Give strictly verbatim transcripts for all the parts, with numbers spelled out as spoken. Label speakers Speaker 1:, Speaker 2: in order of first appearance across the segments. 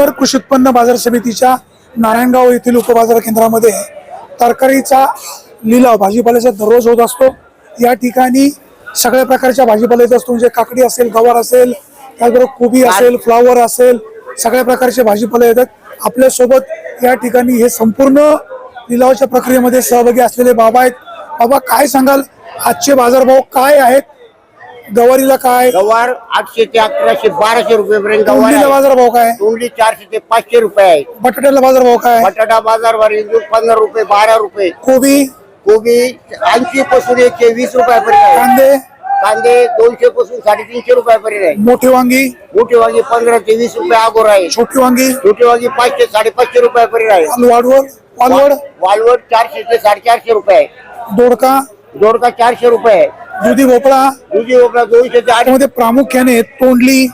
Speaker 1: जुन्नर कृषी उत्पन्न बाजार समितीच्या नारायणगाव येथील उपबाजार केंद्रामध्ये तरकारीचा लिलाव भाजीपाल्याचा दररोज होत असतो। या ठिकाणी सगळ्या प्रकारच्या भाजीपाला येत असतो, म्हणजे काकडी असेल, गवार असेल, त्याचबरोबर कोबी असेल, फ्लावर असेल, सगळ्या प्रकारचे भाजीपाला येतात। आपल्या सोबत या ठिकाणी हे संपूर्ण लिलावाच्या प्रक्रियेमध्ये सहभागी असलेले बाबा आहेत। बाबा, काय सांगाल, आजचे बाजारभाव काय आहेत? गवारीला काय?
Speaker 2: गवार आठशे ते अकराशे बाराशे रुपये पर्यंत गवार
Speaker 1: तोंडलीला बाजारभाव काय?
Speaker 2: तोंडली चारशे ते पाचशे रुपये आहे।
Speaker 1: बटाट्याला बाजारभाव काय?
Speaker 2: बटाटा बाजारभाव इंदूर पंधरा रुपये बारा रुपये।
Speaker 1: कोबी
Speaker 2: कोबी ऐंशी पासून एकशे वीस रुपयापर्यंत आहे।
Speaker 1: कांदे
Speaker 2: कांदे दोनशे पासून साडेतीनशे रुपयापर्यंत आहे।
Speaker 1: मोठी वांगी
Speaker 2: मोठी वांगी पंधरा ते वीस रुपये अगोर आहे।
Speaker 1: छोटी वांगी
Speaker 2: छोटी वांगी पाचशे साडेपाचशे रुपयापर्यंत आहे।
Speaker 1: वालवड वालवड
Speaker 2: वालवड चारशे ते साडेचारशे रुपये आहे।
Speaker 1: दोडका
Speaker 2: दोडका चारशे रुपये आहे।
Speaker 1: दुधी भोपळा
Speaker 2: दुधी भोपळा दोनशे ते आठ
Speaker 1: मध्ये प्रामुख्याने तोंडली,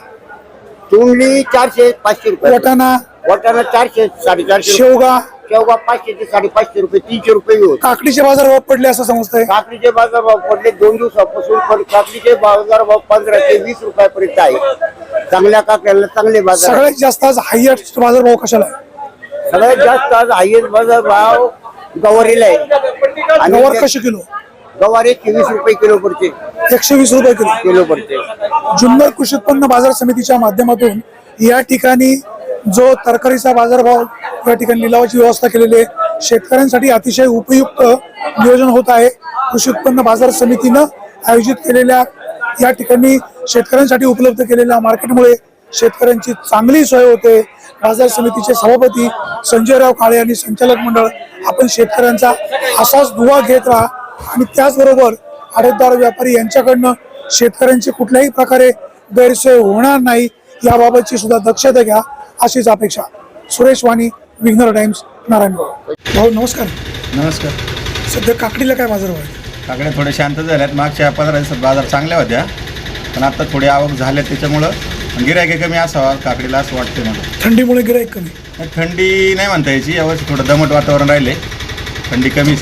Speaker 2: तोंडली चारशे पाचशे रुपये।
Speaker 1: वाटाणा,
Speaker 2: वाटाणा चारशे साडेचारशे।
Speaker 1: शेवगा,
Speaker 2: शेवगा पाचशे ते साडेपाचशे रुपये तीनशे रुपये होत।
Speaker 1: काकडीचे बाजारभाव पडले असं समजतंय।
Speaker 2: काकडीचे बाजारभाव पडले दोन दिवसापासून, पण काकडीचे बाजारभाव पंधरा ते वीस रुपयापर्यंत आहे। चांगल्या काकड्याला चांगले बाजार।
Speaker 1: सगळ्यात जास्त आज हायएस्ट बाजारभाव कशाला आहे?
Speaker 2: सगळ्यात जास्त आज हायेस्ट बाजारभाव गवारीला आहे। आणि
Speaker 1: गवार कशी किलो?
Speaker 2: गवार एकशे वीस रुपये किलो पडते।
Speaker 1: एकशे वीस रुपये किलो
Speaker 2: किलो पडते।
Speaker 1: जुन्नर कृषी उत्पन्न बाजार समितीच्या माध्यमातून या ठिकाणी जो तरकारीचा बाजारभाव या ठिकाणी लिलावाची व्यवस्था केलेली आहे, शेतकऱ्यांसाठी अतिशय उपयुक्त नियोजन होत आहे। कृषी उत्पन्न बाजार समितीनं आयोजित केलेल्या या ठिकाणी शेतकऱ्यांसाठी उपलब्ध केलेल्या मार्केटमुळे शेतकऱ्यांची चांगली सोय होते। बाजार समितीचे सभापती संजयराव काळे आणि संचालक मंडळ आपण शेतकऱ्यांचा असाच दुवा घेत राहा आणि त्याचबरोबर आडतदार व्यापारी यांच्याकडनं शेतकऱ्यांची कुठल्याही प्रकारे गैरसोय होणार नाही याबाबतची सुद्धा दक्षता घ्या, अशीच अपेक्षा। सुरेश वाणी, विघ्नर टाइम्स, नारायणगाव। भाऊ नमस्कार।
Speaker 3: नमस्कार।
Speaker 1: सध्या काकडीला काय बाजार आहे?
Speaker 3: काकड्या थोड्या शांत झाल्यात। मागच्या पंधरा दिवसात बाजार चांगल्या होत्या, पण आता थोडी आवक झाल्या, त्याच्यामुळं गिरायक कमी असावा काकडीला असं वाटतं मला।
Speaker 1: थंडीमुळे गिराईक कमी?
Speaker 3: थंडी नाही म्हणता यायची, यावर्षी थोडं दमट वातावरण राहिले, थंडी कमीच।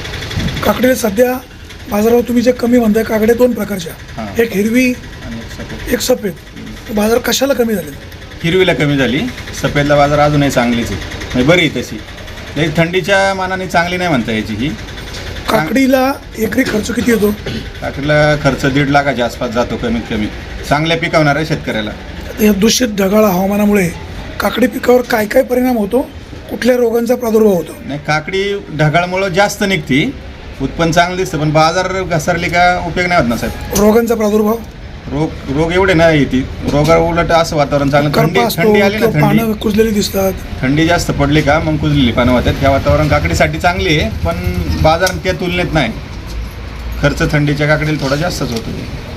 Speaker 1: काकडीला सध्या बाजारावर तुम्ही जे कमी म्हणताय, काकड्या दोन प्रकारच्या, एक हिरवी
Speaker 3: आणि सफेद।
Speaker 1: एक सफेद, बाजार कशाला कमी झाले?
Speaker 3: हिरवीला कमी झाली, सफेदला बाजार अजूनही चांगलीच आहे, म्हणजे बरी आहे तशी, तरी थंडीच्या मानाने चांगली नाही म्हणता यायची ही।
Speaker 1: काकडीला एकरी खर्च किती येतो?
Speaker 3: काकडीला खर्च दीड लाखाच्या आसपास जातो कमीत कमी, चांगल्या पिकवणाऱ्या शेतकऱ्याला।
Speaker 1: या दूषित ढगाळ हवामानामुळे काकडी पिकावर काय काय परिणाम होतो? कुठल्या रोगांचा प्रादुर्भाव होतो?
Speaker 3: नाही, काकडी ढगाळमुळं जास्त निघती, उत्पन्न चांगलं दिसतं, पण बाजार घसरली का उपयोग नाही होत ना साहेब।
Speaker 1: रोगांचा प्रादुर्भाव?
Speaker 3: रोग रोग एवढे नाही येते, रोगा उलट असं वातावरण चांगलं, थंडी थंडी आली ना,
Speaker 1: पानं
Speaker 3: थंडी
Speaker 1: कुजलेली दिसतात,
Speaker 3: थंडी जास्त पडली का मग कुजलेली पानं होतात। ह्या वातावरण काकडीसाठी चांगली आहे, पण बाजार त्या तुलनेत नाही, खर्च थंडीच्या काकडीला थोडा जास्तच होतो।